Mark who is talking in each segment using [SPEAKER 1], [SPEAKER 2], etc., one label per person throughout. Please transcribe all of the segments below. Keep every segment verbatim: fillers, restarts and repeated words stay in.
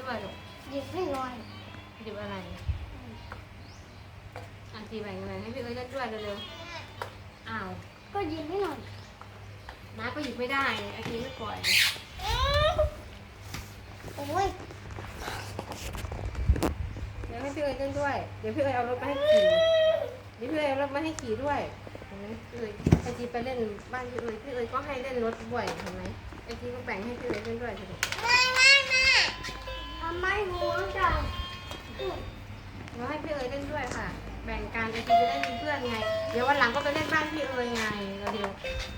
[SPEAKER 1] ด้วยลูก
[SPEAKER 2] หยิบให้หน่อย
[SPEAKER 1] หยิบอะไรอาจีแบ่งอะไรให้พี่เอ้ยเล่นด้วยเร็วๆอ้าว
[SPEAKER 2] ก็หยิบให้หน่อย
[SPEAKER 1] น้าก็หยิบไม่ได้อาจีไม่ปล่อย
[SPEAKER 2] โอ้ย
[SPEAKER 1] เดี๋ยวให้พี่เอ้ยเล่นด้วยเดี๋ยวพี่เอ้ยเอารถมาให้ขี่เดี๋ยวพี่เอ้ยเอารถมาให้ขี่ด้วยเห็นไหมพี่เอ้ยอาจีไปเล่นบ้านพี่เอ้ยพี่เอ้ยก็ให้เล่นรถด้วยเห็นไหมอาจีก็แบ่งให้พี่เอ้ยเล่นด้วยสิลูก
[SPEAKER 2] ไม่ไม่ไม่ทำไมหัวจัง
[SPEAKER 1] เราให้พี่เอ๋ยเล่นด้วยค่ะ แบ่งกันไอจีจะได้มีเพื่อนไง เดี๋ยววันหลังก็ไปเล่นบ้านพี่เอ๋ยไงเร็ว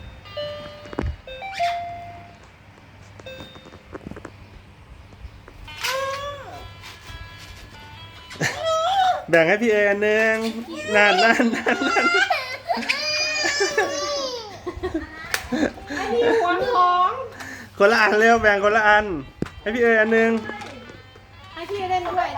[SPEAKER 3] แบ่งให้พี่เออันหนึ่งนั่นนั่นนั่นนั่น
[SPEAKER 1] ไอ้นี่หัวของ
[SPEAKER 3] คนละอันเร็วแบ่งคนละอัน ให้พี่เออันหนึ่ง
[SPEAKER 1] ให้พี่เล่นด้วย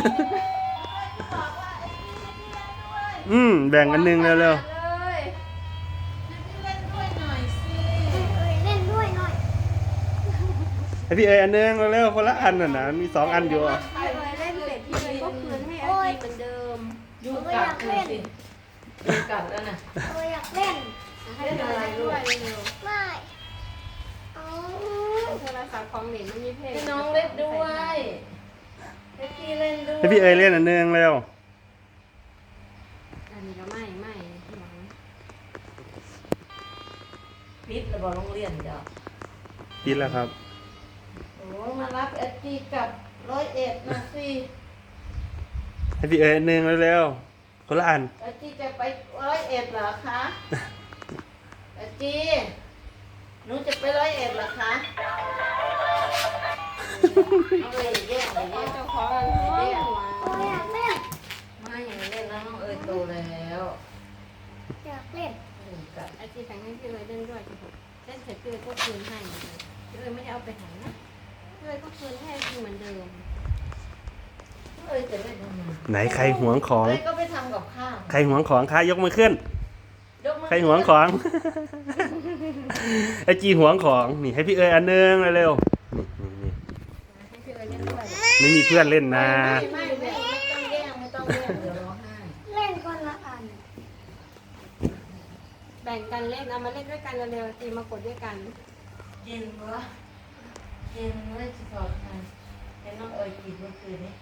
[SPEAKER 3] อืมแบ่งอันหนึ่งเร็วเร็ว
[SPEAKER 1] เลยให้พี่เล่นด้วยหน่อยสิ
[SPEAKER 2] เล่นด้วยหน่อย
[SPEAKER 3] ให้พี่เออันหนึ่งเร็วเร็วคนละอันน่ะนะมีสองอันอยู่อ่ะ
[SPEAKER 1] พี่เอ๋ยเล่นเสร็จพี่เอ๋ยก็คืนให้ไอจีเหมือนเดิม
[SPEAKER 4] ยุงกัดเลยสิยุงกัดแล้วนะ
[SPEAKER 2] เราอยากเล่น
[SPEAKER 1] ให้พี่เอ๋ยเล่นด้วยเร็ว
[SPEAKER 2] ไม่เอา
[SPEAKER 1] ๆโทรศัพท์ของเหลนมันมีเพลง
[SPEAKER 4] ให้น้องเล่นด้วยให้พี่เล่นด้วย
[SPEAKER 3] ให้พี่เอเล่นอันหนึ่งเร็ว
[SPEAKER 1] อันนี้ก็ไม่ไม่หวัง
[SPEAKER 4] พิษระบอกโรงเรียนจ้ะ
[SPEAKER 3] คิดแล้วครับ
[SPEAKER 4] โอ้มารับเอสจีกับร้อยเอ็ดนะสิ
[SPEAKER 3] ให้พี่เออันหนึ่งเร็วเร็วคนละอัน
[SPEAKER 4] เอสจีจะไปร้อยเอ็ดเหรอคะเอสจีหนูจะไปร้อยเอ็ดเหรอคะเอาเลยแย่งเลย
[SPEAKER 1] พ่อ
[SPEAKER 4] แย่ง
[SPEAKER 1] เจ้าของอะไรเนี่ย
[SPEAKER 2] เราอยากเล่น
[SPEAKER 4] ไม่อย่างนี้เล่นแล้วน้องเอ๋ยโตแล้ว
[SPEAKER 2] อยากเล่น
[SPEAKER 4] ยุงกัด
[SPEAKER 1] ไอจีแบ่งให้พี่เอ๋ยเล่นด้วยสิลูกเล่นเสร็จพี่เอ๋ยก็คืนให้พี่เอ๋ยไม่ได้เอาไปไหนนะพี่เอ๋ยก็คืนให้ไอจีเหมือนเดิม
[SPEAKER 4] เอ๋ยจะเล่นทำไม
[SPEAKER 3] ไหนใครหวงของ
[SPEAKER 4] เอ๋ยก็ไปทำกับข้าว
[SPEAKER 3] ใครหวงของคะยกมือขึ้น
[SPEAKER 4] ยกมือ
[SPEAKER 3] ใครหวงของ ไอจีหวงของนี่ให้พี่เออันหนึ่งเร็วๆนี่นี่นี่
[SPEAKER 1] ให้พี่เอ๋ยเล่นด้วย
[SPEAKER 3] ไม่มีเพื่อนเล่นนะ
[SPEAKER 4] ไม่ไม่ไม่ไม่ต้องแย่งไม่ต้องแย่งเดี๋ยวร้องไห้
[SPEAKER 2] เล่นคนละอัน
[SPEAKER 1] แบ่งกันเล่นเอามาเล่นด้วยกันเร็วๆตีมากดด้วยกัน
[SPEAKER 4] กินวะกินไม่สิพอทานเห็นน้องเอ๋ยกินเมื่อคืนนี้